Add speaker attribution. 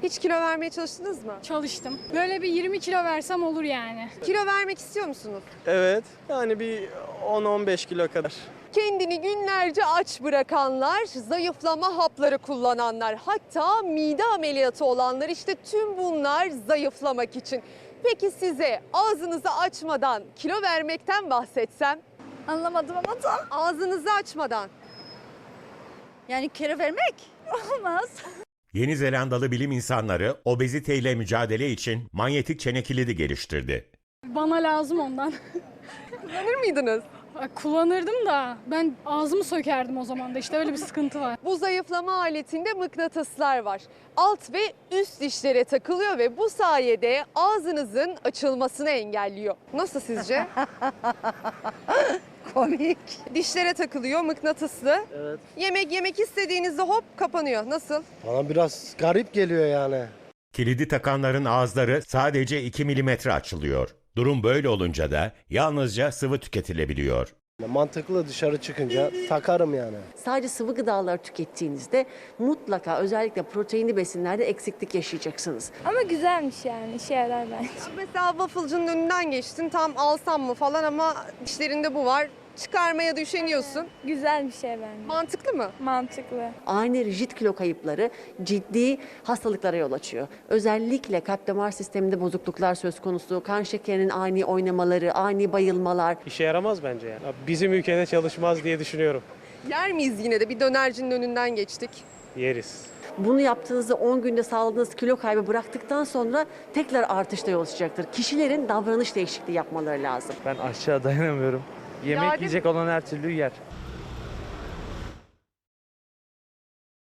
Speaker 1: Hiç kilo vermeye çalıştınız mı?
Speaker 2: Çalıştım. Böyle bir 20 kilo versem olur yani.
Speaker 1: Kilo vermek istiyor musunuz?
Speaker 3: Evet, yani bir 10-15 kilo kadar.
Speaker 1: Kendini günlerce aç bırakanlar, zayıflama hapları kullananlar, hatta mide ameliyatı olanlar, işte tüm bunlar zayıflamak için. Peki size ağzınızı açmadan kilo vermekten bahsetsem?
Speaker 4: Anlamadım ama tam.
Speaker 1: Ağzınızı açmadan.
Speaker 4: Yani kilo vermek olmaz.
Speaker 5: Yeni Zelandalı bilim insanları obeziteyle mücadele için manyetik çene kilidi geliştirdi.
Speaker 2: Bana lazım ondan.
Speaker 1: Kullanır mıydınız?
Speaker 2: Kullanırdım da ben ağzımı sökerdim o zaman da, işte öyle bir sıkıntı var.
Speaker 1: Bu zayıflama aletinde mıknatıslar var. Alt ve üst dişlere takılıyor ve bu sayede ağzınızın açılmasını engelliyor. Nasıl sizce?
Speaker 4: Komik.
Speaker 1: Dişlere takılıyor, mıknatıslı.
Speaker 3: Evet.
Speaker 1: Yemek yemek istediğinizde hop kapanıyor. Nasıl?
Speaker 6: Bana biraz garip geliyor yani.
Speaker 5: Kilidi takanların ağızları sadece 2 milimetre açılıyor. Durum böyle olunca da yalnızca sıvı tüketilebiliyor.
Speaker 6: Mantıklı, dışarı çıkınca takarım yani.
Speaker 7: Sadece sıvı gıdalar tükettiğinizde mutlaka özellikle proteinli besinlerde eksiklik yaşayacaksınız.
Speaker 8: Ama güzelmiş yani, işe yarar bence.
Speaker 1: Mesela wafflecının önünden geçtin, tam alsam mı falan ama dişlerinde bu var. Çıkarmaya da üşeniyorsun.
Speaker 8: Güzel bir şey bence.
Speaker 1: Mantıklı mı?
Speaker 8: Mantıklı.
Speaker 7: Ani rigid kilo kayıpları ciddi hastalıklara yol açıyor. Özellikle kalp damar sisteminde bozukluklar söz konusu, kan şekerinin ani oynamaları, ani bayılmalar.
Speaker 3: İşe yaramaz bence yani. Bizim ülkede çalışmaz diye düşünüyorum.
Speaker 1: Yer miyiz yine de? Bir dönercinin önünden geçtik.
Speaker 3: Yeriz.
Speaker 7: Bunu yaptığınızda 10 günde sağladığınız kilo kaybı bıraktıktan sonra tekrar artışta yol açacaktır. Kişilerin davranış değişikliği yapmaları lazım.
Speaker 9: Ben aşağı dayanamıyorum. Yemek
Speaker 1: Yardım-
Speaker 9: yiyecek olan her türlü yer.